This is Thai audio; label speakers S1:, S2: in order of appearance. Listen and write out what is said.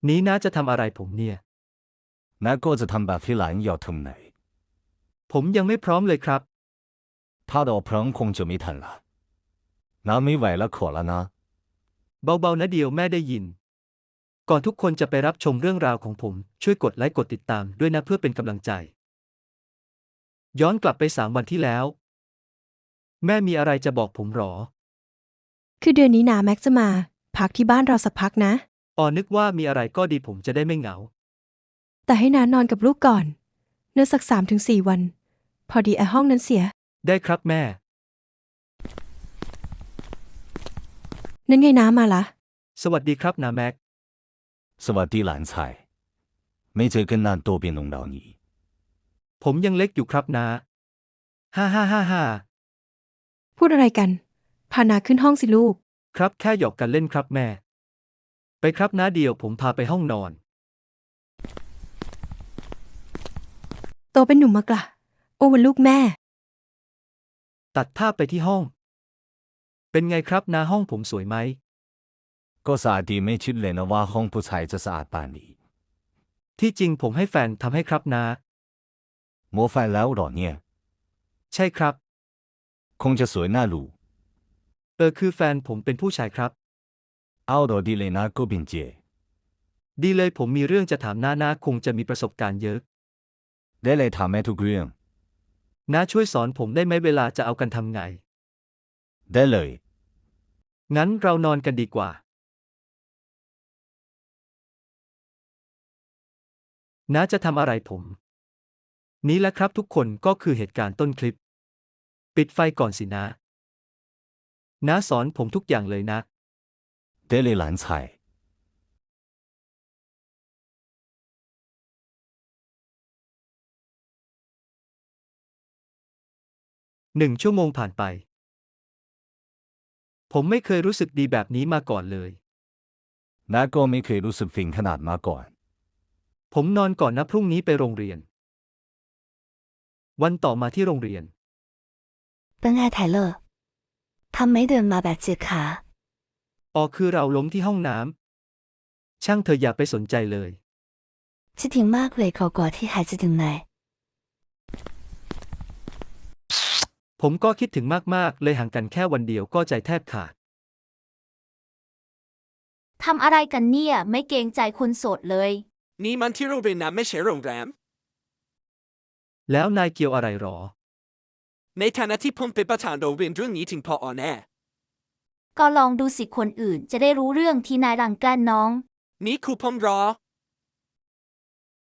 S1: นี้น้าจะทำอะไรผมเนี่ย
S2: น้าก็จะทำแบบที่หลานอยากทำไหน
S1: ผมยังไม่พร้อมเลยครับ
S2: 他的朋คงจะไม่ทันละน้าไม่ไหวแล้วขอแล้วนะ
S1: เบาๆนะเดียวแม่ได้ยินก่อนทุกคนจะไปรับชมเรื่องราวของผมช่วยกดไลค์กดติดตามด้วยนะเพื่อเป็นกำลังใจย้อนกลับไป3 วันที่แล้วแม่มีอะไรจะบอกผมหรอ
S3: คือเดือนนี้นาแม็กจะมาพักที่บ้านเราสักพักนะ
S1: นึกว่ามีอะไรก็ดีผมจะได้ไม่เหงา
S3: แต่ให้นานอนกับลูกก่อนเนื่อสัก3 ถึง 4 วัน พอดีไอห้องนั้นเสีย
S1: ได้ครับแม่
S3: นั่นไงน้ามาละ
S1: สวัสดีครับนาแม็ก
S2: สวัสดีหลานชายไม่เจอกันนานตัวเป็นลงดาวนี้
S1: ผมยังเล็กอยู่ครับนาฮ่า
S3: พูดอะไรกัน พานาขึ้นห้องสิลูก
S1: ครับแค่หยอกกันเล่นครับแม่ ไปครับน้าเดียวผมพาไปห้องนอน
S3: โตเป็นหนุ่มมากละโอ้วันลูกแม่
S1: ตัดภาพไปที่ห้อง เป็นไงครับนาห้องผมสวยไหม
S2: ก็สะอาดดีไม่คิดเลยนะว่าห้องผู้ชายจะสะอาดป่านนี้
S1: ที่จริงผมให้แฟนทำให้ครับนา
S2: หมดไฟแล้วหรอเนี่ย
S1: ใช่ครับ
S2: คงจะสวยน่าดู
S1: คือแฟนผมเป็นผู้ชายครับ
S2: เอาดอดีเลยนะก็เป็นเจ
S1: ดีเลยผมมีเรื่องจะถามน้าคงจะมีประสบการณ์เยอะ
S2: ได้เลยถามแม่ทุกเรื่อง
S1: น้าช่วยสอนผมได้ไหมเวลาจะเอากันทำไง
S2: ได้เลย
S1: งั้นเรานอนกันดีกว่าน้าจะทำอะไรผมนี้แหละครับทุกคนก็คือเหตุการณ์ต้นคลิปปิดไฟก่อนสิน้าสอนผมทุกอย่างเลยนะ
S2: ได้เลยหลานชาย
S1: 1 ชั่วโมงผ่านไปผมไม่เคยรู้สึกดีแบบนี้มาก่อนเลย
S2: น้าก็ไม่เคยรู้สึกฟินขนาดมาก่อน
S1: ผมนอนก่อนนะพรุ่งนี้ไปโรงเรียนวันต่อมาที่โรงเรียน
S4: 奔爱泰勒，他没得马百吉卡。
S1: คือเราล้มที่ห้องน้ำช่างเธออย่าไปสนใจเลย
S4: 只听马贵口过ที่孩子ถึงไหน
S1: ผมก็คิดถึงมากๆเลยห่างกันแค่วันเดียวก็ใจแทบขาด
S5: ทำอะไรกันเนี่ยไม่เกรงใจคนโสดเลย
S6: นี่มันที่โรงเรียนนะไม่ใช่โรงแรม
S1: แล้วนายเกี่ยวอะไรหรอ
S6: ในฐานะที่ผมเป็นประธานโรงเรียนเรื่องนี้ถึงพอแน่
S5: ก็ลองดูสิคนอื่นจะได้รู้เรื่องที่นายรังแกล้งน้อง
S6: นี่ครูผมรอ